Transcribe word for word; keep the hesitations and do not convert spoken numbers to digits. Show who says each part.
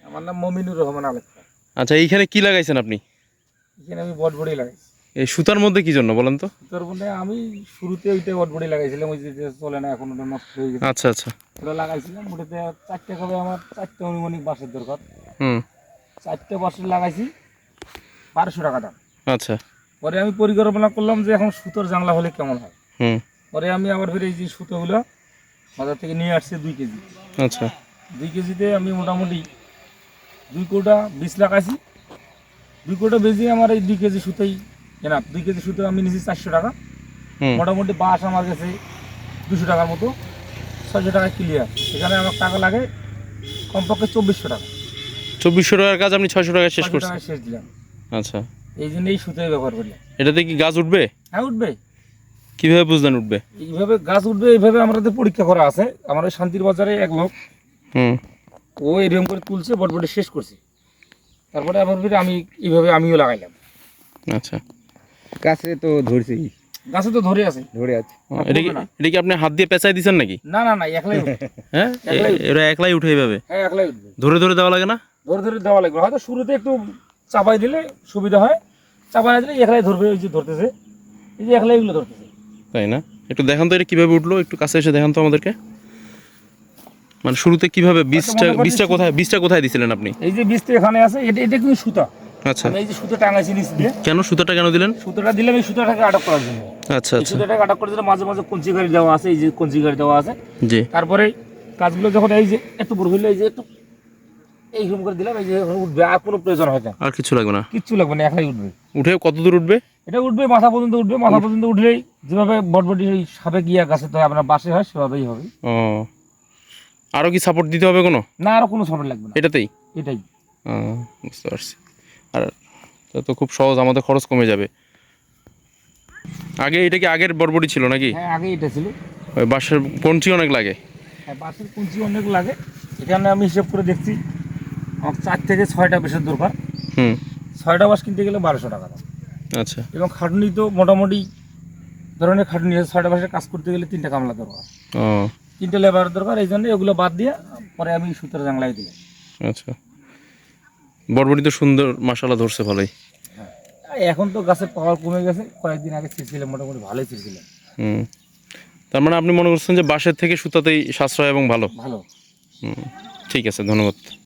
Speaker 1: আমার নাম মমিনুর রহমান আলেক।
Speaker 2: আচ্ছা, এইখানে কি লাগাইছেন আপনি?
Speaker 1: এখানে আমি বটবড়ি লাগাইছি।
Speaker 2: এই সুতার মধ্যে কি জন্য বলেন তো?
Speaker 1: সুতার মধ্যে আমি শুরুতে ওইটা বটবড়ি লাগাইছিলাম, ওই যে চলে না এখন, ওটা নষ্ট হয়ে গেছে।
Speaker 2: আচ্ছা আচ্ছা।
Speaker 1: ওটা লাগাইছিলাম, ওটাতে চারটে কবে আমার চারটে অনুমানিক বাঁশের দরকার।
Speaker 2: হুম।
Speaker 1: চারটে বাঁশের লাগাইছি, বারোশো টাকা দাম।
Speaker 2: আচ্ছা।
Speaker 1: পরে আমি পরিকল্পনা করলাম যে এখন সুতোর জানলা হলে কেমন হয়।
Speaker 2: হুম।
Speaker 1: পরে আমি আবার ফিরে এই যে সুতোগুলো বাজার থেকে নিয়ে আসছি দুই কেজি।
Speaker 2: আচ্ছা।
Speaker 1: দুই কেজিতে আমি মোটামুটি দুই কোটা বীজ লাগাইছি। দুই কোটা বেজে আমার এই দুই কেজি সুতোই কেনা। দুই কেজি সুতো আমি নিয়েছি চারশো টাকা।
Speaker 2: হুম।
Speaker 1: মোটামুটি বাঁশ আমার কাছে দুশো টাকার মতো, ছয়শো টাকা ক্লিয়ার। এখানে আমার টাকা লাগে কমপক্ষে চব্বিশশো টাকা।
Speaker 2: চব্বিশশো টাকার কাজ আপনি ছয়শো টাকায় শেষ
Speaker 1: ছয়শো
Speaker 2: করছেন?
Speaker 1: টাকায় শেষ দিলাম।
Speaker 2: আচ্ছা।
Speaker 1: এই জন্য এই সুতোই ব্যবহার করলাম।
Speaker 2: এটাতে কি গাছ উঠবে?
Speaker 1: হ্যাঁ, উঠবে।
Speaker 2: কিভাবে বুঝলেন উঠবে?
Speaker 1: এইভাবে গাছ উঠবে, এইভাবে আমাদের পরীক্ষা করা আছে। আমার ওই শান্তির বাজারে এক লোক,
Speaker 2: হুম।
Speaker 1: ও এরকম করে তুলছে, বটবটি শেষ করছে। তারপরে আবার ফিরে আমি এইভাবে আমিও লাগাইলাম।
Speaker 2: আচ্ছা।
Speaker 3: গাছে তো ধরছি,
Speaker 1: গাছে তো ধরে আছে,
Speaker 3: ধরে আছে।
Speaker 2: এটা কি এটা কি আপনি হাত দিয়ে পেঁচাই দিচ্ছেন নাকি?
Speaker 1: না না না, একলাই উঠবে।
Speaker 2: হ্যাঁ,
Speaker 1: একলাই
Speaker 2: এ- এরা একলাই উঠে এইভাবে
Speaker 1: হ্যাঁ, একলাই উঠবে।
Speaker 2: ধরে ধরে দেওয়া লাগে না?
Speaker 1: ধরে ধরে দেওয়া লাগবে, হয়তো শুরুতে একটু চাপাই দিলে সুবিধা হয়, চাপাই না দিলে একলাই ধরবে। ওই যে ধরতেছে, এই যে একলাই এগুলো ধরতেছে।
Speaker 2: তাই না? একটু দেখান তো এটা কিভাবে উঠলো, একটু কাছে এসে দেখান তো আমাদেরকে। মানে শুরুতে কিভাবে বীজটা
Speaker 1: মনে করছি
Speaker 2: বীজটা কোথায় বীজটা কোথায় দিছিলেন আপনি?
Speaker 1: এই যে বীজটা এখানে আছে, এটা এটা কিন্তু সুতা।
Speaker 2: আচ্ছা।
Speaker 1: আমি এই যে সুতো টাঙাইছি নিচ দিয়ে।
Speaker 2: কেন সুতাটা কেন দিলেন?
Speaker 1: সুতোটা দিলাম এই সুতোটাকে আটক করার জন্য।
Speaker 2: আচ্ছা
Speaker 1: এই
Speaker 2: আচ্ছা।
Speaker 1: সুতোটাকে আটক করে দিলে মাঝে মাঝে কঞ্চি গাড়ি দেওয়া আছে, এই যে কঞ্চি গাড়ি দেওয়া আছে।
Speaker 2: জি।
Speaker 1: তারপরে কাজগুলো যখন এই যে একটু বড় হইলে এই যে একটু এইরকম করে দিলাম, এই যে এখন উঠবে, আর কোনো প্রয়োজন হয় না,
Speaker 2: আর কিছু লাগবে না?
Speaker 1: কিচ্ছু লাগবে না, একলাই উঠবে।
Speaker 2: উঠে কত দূর উঠবে?
Speaker 1: এটা উঠবে মাথা পর্যন্ত উঠবে। মাথা পর্যন্ত উঠলেই যেভাবে বটবটি ওই সাপে গিয়া গাছে তো আপনার বাসে হয়, সেভাবেই হবে।
Speaker 2: ও, আরও কি সাপোর্ট দিতে হবে কোনো?
Speaker 1: না, আরো কোনো সাপোর্ট লাগবে না,
Speaker 2: এটাতেই?
Speaker 1: এটাই।
Speaker 2: ও, বুঝতে পারছি। আর তা তো খুব সহজ, আমাদের খরচ কমে যাবে। আগে এটা কি আগের বরবটি ছিল নাকি?
Speaker 1: হ্যাঁ, আগে এটা ছিল।
Speaker 2: ওই বাঁশের কঞ্চি অনেক লাগে।
Speaker 1: হ্যাঁ, বাসের কুঞ্চি অনেক লাগে। এখানে আমি হিসেব করে দেখছি আমার চার থেকে ছয়টা বেশের দরকার।
Speaker 2: হুম।
Speaker 1: ছয়টা বাস কিনতে গেলে বারোশো টাকা দাম।
Speaker 2: আচ্ছা।
Speaker 1: এবং খাটুনি তো মোটামুটি ধরনের খাটুনি আছে। ছয়টা বাসের কাজ করতে গেলে তিনটা কামলা দরকার,
Speaker 2: ও
Speaker 1: তিনটে লেবার দরকার। এই জন্য এগুলো বাদ দিয়ে পরে আমি সুতোর জাংলায় দিলাম।
Speaker 2: আচ্ছা। বরবটি তো সুন্দর মাশাআল্লাহ ধরছে ভালোই।
Speaker 1: হ্যাঁ, এখন তো গাছের পাওয়ার কমে গেছে। কয়েকদিন আগে ছিঁড়ছিলাম, মোটামুটি ভালোই ছিঁড়ছিলাম।
Speaker 2: হুম। তার মানে আপনি মনে করছেন যে বাঁশের থেকে সুতাতেই সাশ্রয় এবং ভালো?
Speaker 1: ভালো।
Speaker 2: হুম। ঠিক আছে, ধন্যবাদ।